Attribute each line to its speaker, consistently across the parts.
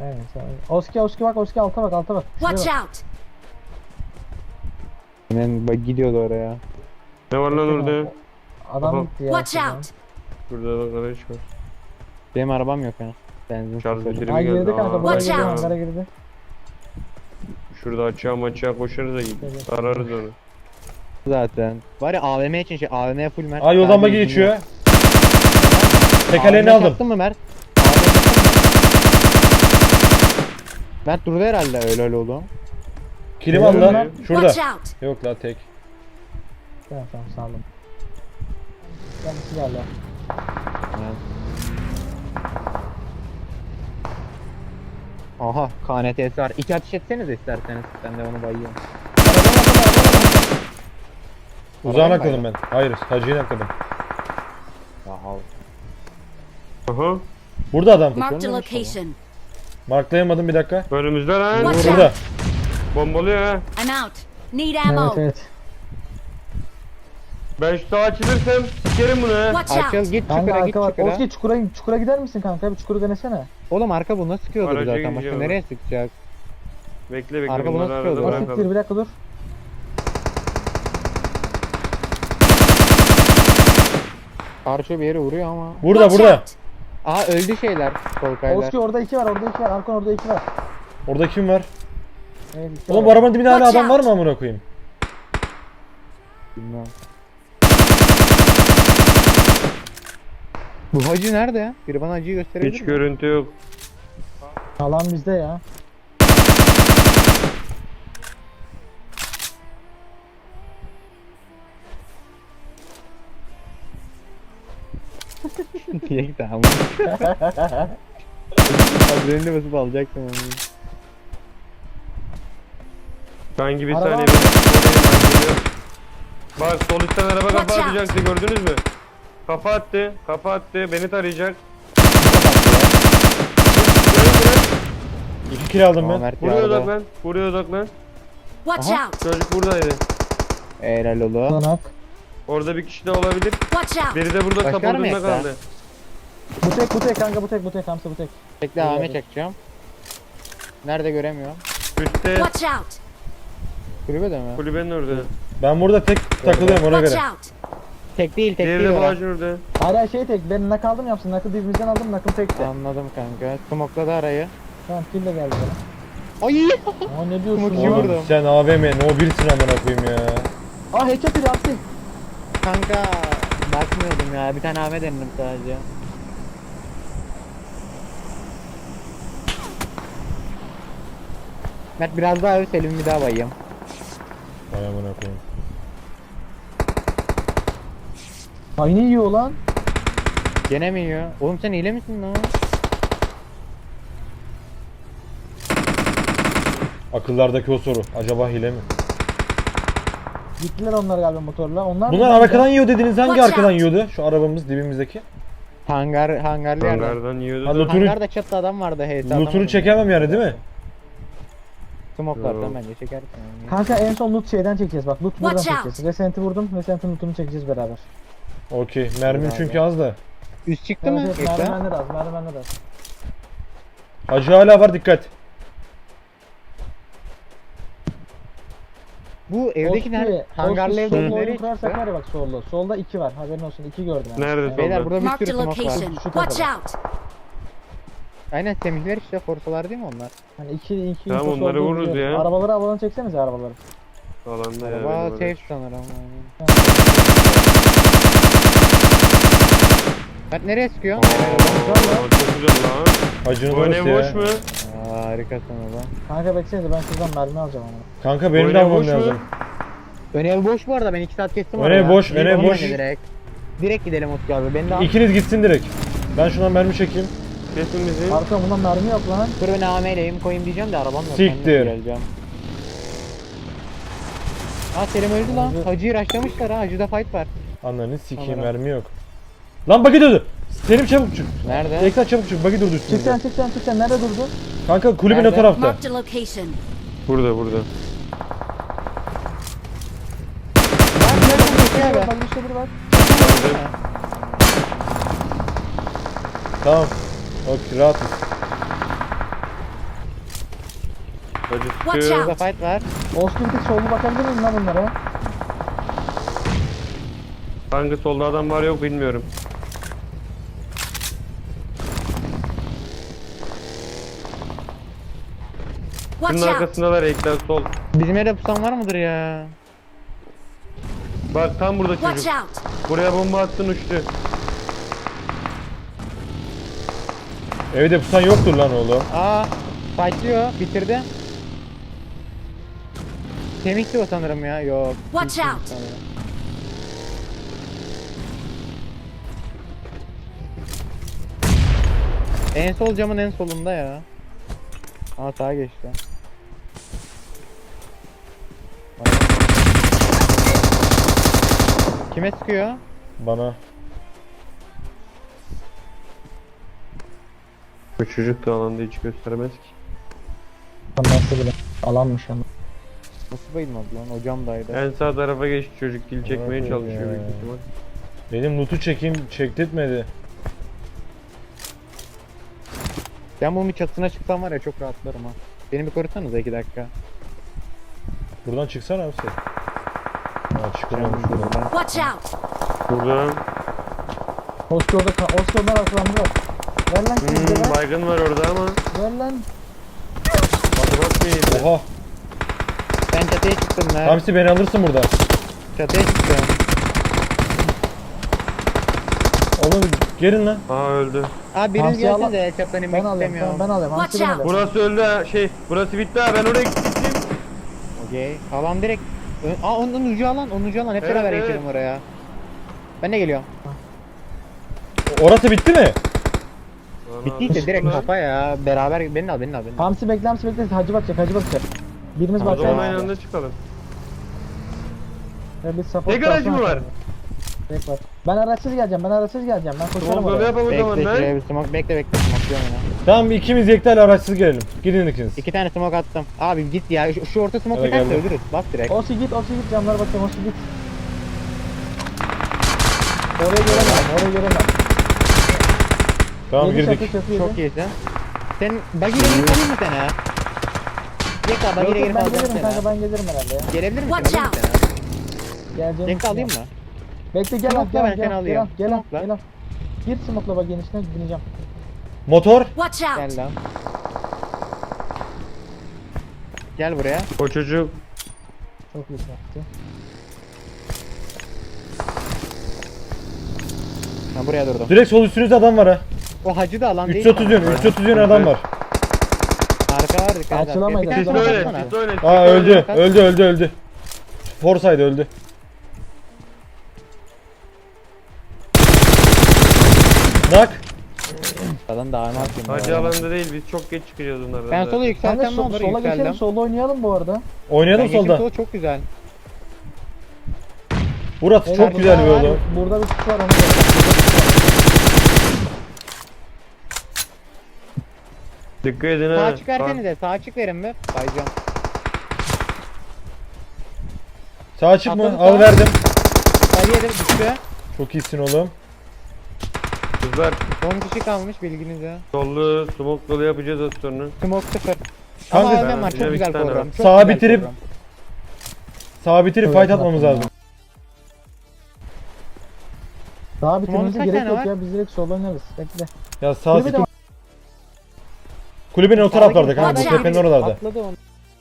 Speaker 1: Evet. Oski bak, Oski alta bak. Şuraya
Speaker 2: Watch
Speaker 1: bak.
Speaker 2: out!
Speaker 3: Hemen bak gidiyordu oraya.
Speaker 4: Ne var lan orada?
Speaker 1: Adam
Speaker 4: Aha.
Speaker 1: gitti ya.
Speaker 2: Watch out!
Speaker 4: Burada da araç var.
Speaker 3: Benim arabam yok ya. Benzin
Speaker 4: Şarj
Speaker 3: sıfır.
Speaker 4: bitiri
Speaker 1: Ay
Speaker 4: mi geldi?
Speaker 1: girdi kanka, buraya
Speaker 2: Watch
Speaker 1: girdi,
Speaker 2: out.
Speaker 1: hangara girdi.
Speaker 4: Şurada açığa koşarız da
Speaker 1: Evet.
Speaker 4: ararız onu.
Speaker 3: Zaten. Var ya AVM için şey AVM full Mert.
Speaker 5: Aa yoldan
Speaker 3: Sadece
Speaker 5: bagi
Speaker 3: izin
Speaker 5: geçiyor.
Speaker 3: yok.
Speaker 5: Tekerleğini
Speaker 3: AVM
Speaker 5: aldım.
Speaker 3: çaktın mı Mert? AVM çaktın mı? Mert durdu herhalde öyle oldu.
Speaker 5: Kilim al lan.
Speaker 2: Watch
Speaker 5: Şurada.
Speaker 2: out!
Speaker 5: Yok la tek.
Speaker 1: Tamam saldım. Kendisi geldi.
Speaker 3: Evet. Aha KNT'si var. 2 ateş etseniz isterseniz. Ben de onu bayıyorum.
Speaker 5: Uzağa
Speaker 3: Arabaya
Speaker 5: nakladım ben. Hayır, hacıya nakladım.
Speaker 3: Aha.
Speaker 4: Aha.
Speaker 5: Burada adam.
Speaker 2: Marked a
Speaker 3: Görmemiş
Speaker 2: location.
Speaker 5: Marklayamadım bir dakika.
Speaker 4: Önümüzde lan.
Speaker 2: Watch
Speaker 5: Burada.
Speaker 4: Bombalıyor ha.
Speaker 2: I'm out. Need ammo.
Speaker 1: Evet.
Speaker 4: Ben şu sağa açılırsam sikerim bunu ha.
Speaker 2: Watch
Speaker 3: Açıl
Speaker 2: out!
Speaker 3: git
Speaker 1: Kanka
Speaker 3: çukura git
Speaker 1: arka var.
Speaker 3: çukura.
Speaker 1: Oski çukura gider misin kanka? Bir çukuru denesene.
Speaker 3: Oğlum arka buna sıkıyordur
Speaker 4: Araca
Speaker 3: zaten. Başka
Speaker 4: gideceğim
Speaker 3: nereye sıkacak?
Speaker 4: Bekle
Speaker 3: Arka
Speaker 4: bunları
Speaker 3: buna
Speaker 4: arada
Speaker 3: sıkıyordu.
Speaker 1: Oski
Speaker 4: bırakalım.
Speaker 1: bir dakika dur.
Speaker 3: Arşo bir yere vuruyor ama.
Speaker 5: Burada
Speaker 2: Watch
Speaker 5: burada.
Speaker 2: out!
Speaker 3: Aha öldü şeyler. Solkaylar.
Speaker 1: Oski orada 2 var. Arkon orada 2 var.
Speaker 5: Orada kim var?
Speaker 1: Evet, iki
Speaker 5: Oğlum
Speaker 1: var.
Speaker 5: bu arabanın dibinde hala
Speaker 2: Watch
Speaker 5: adam var
Speaker 2: out.
Speaker 5: mı amına koyayım?
Speaker 3: Bilmem. Bu hacı nerede ya? Biri bana hacıyı gösterebilir
Speaker 4: Hiç
Speaker 3: mi?
Speaker 4: görüntü yok.
Speaker 1: Alan bizde ya.
Speaker 3: Diye tamam. Adrenalini basıp alacaktım onu.
Speaker 4: Sanki bir
Speaker 1: Araba
Speaker 4: saniye
Speaker 1: var.
Speaker 4: ben geliyorum. Bak sol üstten araba kafa
Speaker 2: Watch out.
Speaker 4: atacaktı gördünüz mü? Kafa attı beni tarayacak.
Speaker 5: İki kill aldım
Speaker 3: Tamam,
Speaker 5: ben.
Speaker 3: Mert
Speaker 4: Buraya
Speaker 3: yardı.
Speaker 4: odaklan. Buraya odaklan.
Speaker 2: Watch
Speaker 3: Aha.
Speaker 2: out!
Speaker 4: Çocuk buradaydı.
Speaker 3: Helal oğlum.
Speaker 1: Sonak.
Speaker 4: Orada bir kişi de olabilir.
Speaker 2: Watch out!
Speaker 4: Biri de burada
Speaker 3: Başka
Speaker 4: sapırdığında
Speaker 3: mı ekler?
Speaker 4: kaldı.
Speaker 1: Bu tek kanka bu tek Hamsi bu tek.
Speaker 3: Bekle AVM çekeceğim. Nerede göremiyorum.
Speaker 4: Üstte
Speaker 2: Watch out!
Speaker 3: Kulübede mi?
Speaker 4: kulübenin orada.
Speaker 5: Ben burada tek takılıyorum ona
Speaker 2: Watch
Speaker 5: göre.
Speaker 2: out!
Speaker 3: Tek değil tek
Speaker 4: Diğeri
Speaker 3: değil
Speaker 4: de bu
Speaker 3: orası.
Speaker 4: ağacın orada.
Speaker 1: Hala şey tek. Ben nak aldım yapsın. Nakı dibimizden aldım. Nakım tekti.
Speaker 3: Anladım kanka. Smokladı arayı.
Speaker 1: Tamam kill de geldi bana.
Speaker 3: Ay!
Speaker 1: Aa ne diyorsun
Speaker 3: Smoke'u
Speaker 1: ya?
Speaker 3: vurdu.
Speaker 5: Oğlum sen AVM no 1'sin amına koyayım ya.
Speaker 1: Aa headshot bir Hamsi.
Speaker 3: Kanka bakmıyordum ya. Bir tane AVM denedim sadece. Mert biraz daha öv Selim bir daha bayayım.
Speaker 5: Vay amına koyayım.
Speaker 1: Ay ne yiyor lan?
Speaker 3: Gene mi yiyor? Oğlum sen hile misin lan?
Speaker 5: Akıllardaki o soru. Acaba hile mi?
Speaker 1: Gittiler onlar galiba motorla. Onlar
Speaker 5: Bunlar
Speaker 1: mı?
Speaker 5: arkadan yiyor dediniz. Hangi
Speaker 2: Watch
Speaker 5: arkadan
Speaker 2: out.
Speaker 5: yiyordu? Şu arabamız dibimizdeki.
Speaker 3: Hangarlı yerden.
Speaker 4: Hangardan yiyordu.
Speaker 5: Ha,
Speaker 4: da.
Speaker 5: lootunu-
Speaker 3: Hangarda çatıda adam vardı.
Speaker 5: Lootunu çekemem yani değil mi?
Speaker 3: Smoke'lardan
Speaker 4: Yok.
Speaker 3: bence çekersin yani.
Speaker 1: Kanka en son loot şeyden çekeceğiz bak. Loot buradan
Speaker 2: Watch out.
Speaker 1: çekeceğiz. Resent'i vurdum. Resent'in lootunu çekeceğiz beraber.
Speaker 5: Okey. Mermim çünkü az da.
Speaker 3: Üst çıktı mı?
Speaker 1: Evet,
Speaker 3: Ekran?
Speaker 1: merdivenler az. Merdivenler az.
Speaker 5: Hacı hala var dikkat.
Speaker 3: Bu evdeki nerede? Hangarlı evdeki nereye
Speaker 1: Solda
Speaker 3: çıktı?
Speaker 1: kurarsak var ya bak solda. Solda 2 var. Haberin olsun. 2 gördüm. yani.
Speaker 4: Nerede
Speaker 3: Beyler
Speaker 4: solda?
Speaker 3: burada bir
Speaker 2: Marked
Speaker 3: sürü
Speaker 2: a
Speaker 3: smoke var.
Speaker 2: location.
Speaker 1: Şu
Speaker 2: Watch
Speaker 1: tarafa.
Speaker 2: out!
Speaker 3: Aynen semihler işte forsalar değil mi onlar?
Speaker 1: Hani 2
Speaker 4: Tamam, onları vururuz ya.
Speaker 1: Arabaları çeksenize arabaları.
Speaker 4: Alanda ya.
Speaker 3: Araba
Speaker 4: benim
Speaker 3: safe
Speaker 4: orası.
Speaker 3: sanırım. Mert nereye sıkıyor?
Speaker 4: Aa, çok güzel lan.
Speaker 5: Hacının
Speaker 4: Bu
Speaker 5: orası
Speaker 4: ne
Speaker 5: ya.
Speaker 4: boş mu?
Speaker 3: Aa, harikasın oğlum.
Speaker 1: Kanka beklesenize ben şuradan mermi alacağım ama.
Speaker 5: Kanka benim
Speaker 4: Bu
Speaker 5: de
Speaker 4: ne
Speaker 5: almam
Speaker 4: boş mu?
Speaker 5: lazım.
Speaker 3: Ön ev boş bu arada ben 2 saat kestim
Speaker 5: Ön
Speaker 3: oraya.
Speaker 5: ev boş, ön ev
Speaker 3: Gidelim
Speaker 5: boş.
Speaker 3: bence Direkt. Direkt gidelim Utku abi. Beni de al.
Speaker 5: İkiniz gitsin direkt. Ben şundan mermi çekeyim.
Speaker 4: Kesin bizi.
Speaker 1: Arka bundan mermi yok lan.
Speaker 3: Dur ben AM'leyim koyayım diyeceğim de arabam yok.
Speaker 5: Siktir.
Speaker 3: Ben nasıl geleceğim? Aa Selim öldü lan.
Speaker 1: Öldü.
Speaker 3: Hacı'yı rushlamışlar ha. Hacı'da fight var.
Speaker 5: Ananı sikeyim
Speaker 3: Kamera.
Speaker 5: mermi yok. Lan bagi durdu. Selim çabuk çık.
Speaker 3: Nerede?
Speaker 5: Ekran çabuk çık. Bagi durdu üstünde.
Speaker 1: Çık sen. Nerede durdun?
Speaker 5: Kanka kulübün o
Speaker 3: Nerede?
Speaker 5: tarafta.
Speaker 2: Marked a location.
Speaker 4: Burada burada.
Speaker 1: Bak işte biri var.
Speaker 5: Tamam. Okey rahatız.
Speaker 4: Bacı
Speaker 2: Watch
Speaker 4: sıkıyor.
Speaker 2: out.
Speaker 3: Burada fight var.
Speaker 1: Oscar bir tek sollu bakabilir miyim lan bunlara?
Speaker 4: Hangi solda adam var yok bilmiyorum.
Speaker 2: Watch
Speaker 4: Şunun
Speaker 2: out.
Speaker 4: arkasındalar ekler sol.
Speaker 3: Bizim yerde pusan var mıdır ya?
Speaker 4: Bak tam burada
Speaker 2: Watch
Speaker 4: çocuk.
Speaker 2: out.
Speaker 4: Buraya bomba attın uçtu.
Speaker 5: Evde pusan yoktur lan oğlum.
Speaker 3: Aa, fightlıyor. Bitirdi. Kemikti o sanırım ya. Yok.
Speaker 2: Watch
Speaker 3: kemikti
Speaker 2: out.
Speaker 3: sanırım. En sol camın en solunda ya. Aa sağa geçti. Kime sıkıyor?
Speaker 5: Bana.
Speaker 4: Bu çocuk da alanda hiç göstermez ki.
Speaker 1: Nasıl bile. Alanmış ama.
Speaker 3: Nasıl bayılmadı lan? O camdaydı.
Speaker 4: En sağ tarafa geçti çocuk kill çekmeye
Speaker 5: Evet
Speaker 4: çalışıyor
Speaker 5: ya.
Speaker 4: büyük ihtimal.
Speaker 5: Benim loot'u çekeyim çektirtmedi.
Speaker 3: Ben bunun çatısına çıksam var ya çok rahatlarım ha. Beni bir korusanıza 2 dakika.
Speaker 5: Buradan çıksana abi sen. Ha çıkamamış buradan.
Speaker 2: Watch out.
Speaker 4: Burada
Speaker 1: Oscar orada Oscar onlar arkalandılar. Ver lan kimse ver.
Speaker 4: baygın var orada ama
Speaker 1: Ver lan.
Speaker 4: batı mıydı?
Speaker 5: Oha.
Speaker 3: Ben çatıya çıktım lan.
Speaker 5: Hamsi beni alırsın buradan.
Speaker 3: Çatıya çıktım.
Speaker 5: Oğlum gelin lan.
Speaker 4: Aa öldü.
Speaker 3: Abi biriniz
Speaker 1: Hamsiyi al-
Speaker 3: gelsin de el çaptan
Speaker 1: Ben
Speaker 3: inmek
Speaker 1: alıyorum.
Speaker 3: istemiyorum.
Speaker 1: Tamam, ben alıyorum.
Speaker 2: Watch
Speaker 1: Hamsi ben
Speaker 2: out.
Speaker 1: alıyorum.
Speaker 4: Burası öldü ha burası bitti ha ben oraya gittim.
Speaker 3: Okey. Alan direkt. Aa onun ucu alan. Onun ucu alan. Hep
Speaker 4: Evet,
Speaker 3: beraber
Speaker 4: evet.
Speaker 3: geçelim oraya. Ben de geliyorum.
Speaker 5: Orası bitti mi?
Speaker 3: Bittiyse direkt kafa ya. Beraber beni al.
Speaker 1: Hamsi bekle Hamsi bekle. Hacı bakacak Hacı bakacak. Birimiz
Speaker 4: O zaman
Speaker 1: bakacak.
Speaker 4: aynı anda çıkalım.
Speaker 1: Ve biz support
Speaker 4: Ne garajı mı
Speaker 1: kalsın
Speaker 4: var?
Speaker 1: aşağıda. Tek var. Ben araçsız geleceğim. Ben koşarım
Speaker 4: Tamam böyle
Speaker 1: oraya.
Speaker 4: yapalım o zaman
Speaker 3: Bekle
Speaker 4: lan.
Speaker 3: şuraya bir smoke. Bekle smoke diyorum ya.
Speaker 5: Tamam ikimiz Yekta ile araçsız gelelim. Gidin ikiniz.
Speaker 3: 2 tane smoke attım. Abi git ya. Şu orta smoke
Speaker 5: Evet,
Speaker 3: biterse
Speaker 5: geldim.
Speaker 3: ölürüz. Bas direkt.
Speaker 1: Osi git camlara bakayım Osi git. Oraya göremem.
Speaker 5: Tamam
Speaker 1: Yedi
Speaker 5: girdik.
Speaker 1: çatı yedi.
Speaker 3: Çok iyisin. Sen buggy'le girip alayım mı seni ha? Yeka
Speaker 1: Yok,
Speaker 3: buggy'le
Speaker 1: yok,
Speaker 3: girip
Speaker 1: ben
Speaker 3: alacağım
Speaker 1: gelirim
Speaker 3: seni
Speaker 1: kanka
Speaker 3: ha.
Speaker 1: ben gelirim herhalde ya.
Speaker 3: Gelebilir misin?
Speaker 2: Watch
Speaker 3: Alayım mı
Speaker 2: out.
Speaker 3: seni?
Speaker 1: Geleceğim.
Speaker 3: Yeka alayım mı?
Speaker 1: Bekle gel
Speaker 3: Smoke'la
Speaker 1: al
Speaker 3: ben seni alıyorum.
Speaker 1: gel
Speaker 3: Smoke'la.
Speaker 1: al. Gir smoke'la bak genişine bineceğim.
Speaker 5: Motor.
Speaker 2: Watch out.
Speaker 3: Gel lan. Gel buraya.
Speaker 4: O çocuk
Speaker 1: Çok iyi yaptı.
Speaker 3: Ha buraya durdum.
Speaker 5: Direkt sol üstünüzde adam var ha.
Speaker 3: O hacı da alan değil.
Speaker 5: 330 yön. 330 yön adam var.
Speaker 3: Arka var dikkat et.
Speaker 1: Açılamayız,
Speaker 3: Bir tane
Speaker 4: sis
Speaker 3: smoke
Speaker 4: öyle
Speaker 3: atsana.
Speaker 4: sis öyle.
Speaker 5: Aa öldü. Forsaydı öldü. Nak.
Speaker 3: Adam da arma atayım.
Speaker 4: Hacı alanda değil biz çok geç çıkacağız onlardan.
Speaker 3: Ben
Speaker 4: zaten.
Speaker 3: sola
Speaker 1: Sen de
Speaker 3: yükseltem ne olur
Speaker 1: sola geçelim
Speaker 3: yükseldim.
Speaker 1: solda oynayalım bu arada.
Speaker 5: Oynayalım
Speaker 3: Ben geçtim
Speaker 5: solda.
Speaker 3: sola çok güzel.
Speaker 5: Burası
Speaker 1: Evet,
Speaker 5: çok güzel bir
Speaker 1: burada var,
Speaker 5: oğlum.
Speaker 1: Burada bir kutu var onu
Speaker 4: Dikkat edin ha.
Speaker 3: Sağ çık versenize. Sağ çık verin be. Bayacağım.
Speaker 5: Sağ açık mı?
Speaker 3: Atladı
Speaker 5: Al
Speaker 3: sağa.
Speaker 5: verdim.
Speaker 3: Bayıya da düştü.
Speaker 5: Çok iyisin oğlum.
Speaker 4: Kızlar
Speaker 3: Son kişi kalmış bilginize.
Speaker 4: sollu smoke dolu yapacağız az sonra.
Speaker 3: Smoke 0.
Speaker 5: Kanka,
Speaker 3: Ama AVM var
Speaker 4: ben
Speaker 3: çok güzel
Speaker 4: bir tane
Speaker 3: program.
Speaker 4: var.
Speaker 3: Çok
Speaker 5: Sağa
Speaker 3: güzel
Speaker 5: bitirip-
Speaker 3: program.
Speaker 5: Sağ bitirip
Speaker 1: Evet,
Speaker 5: fight atmamız
Speaker 1: yaptım
Speaker 5: lazım.
Speaker 1: Daha bitirmemize
Speaker 3: kaç
Speaker 1: gerek
Speaker 3: tane
Speaker 1: yok
Speaker 3: var?
Speaker 1: ya biz direkt solda oynarız. Bekle.
Speaker 5: Ya sağ
Speaker 1: Kulübe de
Speaker 5: sıkı.
Speaker 1: var.
Speaker 5: Kulübenin o taraflarda kanka. Bu
Speaker 2: Watch out.
Speaker 5: tepenin oralarda.
Speaker 3: Atladı onu.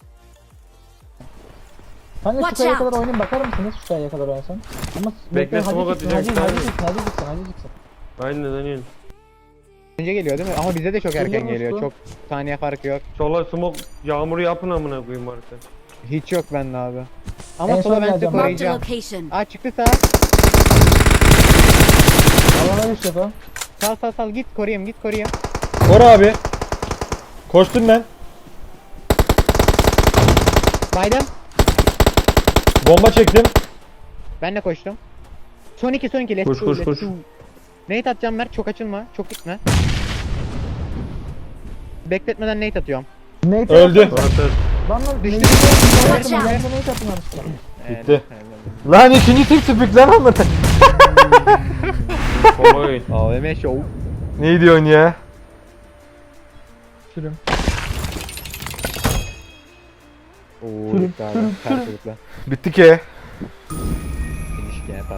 Speaker 1: Kanka şu
Speaker 2: Watch
Speaker 1: kayaya
Speaker 2: out.
Speaker 1: kadar oynayın bakar mısınız şu kayaya kadar oynasan? Ama
Speaker 4: Bekle, smoke atacağım,
Speaker 1: Hacı
Speaker 4: tamam.
Speaker 1: gitsin.
Speaker 4: Aynen aynen.
Speaker 3: Önce geliyor değil mi? Ama bize de çok erken
Speaker 1: Geliyor
Speaker 3: geliyor.
Speaker 1: musun?
Speaker 3: Çok saniye farkı yok.
Speaker 4: Sola smoke yağmuru yapın amına koyayım artık.
Speaker 3: Hiç yok bende abi.
Speaker 1: En
Speaker 3: Ama
Speaker 1: son
Speaker 3: sola ben size
Speaker 1: geleceğim.
Speaker 2: Marked a
Speaker 3: koruyacağım.
Speaker 2: location.
Speaker 3: Aa çıktı sağ.
Speaker 1: Alana düş defa.
Speaker 3: Sal git koruyayım.
Speaker 5: Kor abi. Koştum ben.
Speaker 3: Baydım.
Speaker 5: Bomba çektim.
Speaker 3: Ben de koştum. Son iki let's
Speaker 4: Koş,
Speaker 3: go,
Speaker 4: koş,
Speaker 3: let's
Speaker 4: koş.
Speaker 3: go. Nate atacağım Mert çok açılma. Çok gitme. Bekletmeden Nate atıyorum.
Speaker 1: Nate
Speaker 5: Öldü.
Speaker 4: Zaten
Speaker 1: Lan
Speaker 3: Düştü.
Speaker 1: Nate
Speaker 2: out.
Speaker 1: atın yanlışlıkla.
Speaker 5: Gitti. Lan ikinci tip spik lan ama.
Speaker 4: kolay.
Speaker 3: AVM show.
Speaker 5: Ne diyorsun ya?
Speaker 1: Sürüm.
Speaker 3: Oo gitti abi. Karşılıklı.
Speaker 5: Bitti ki.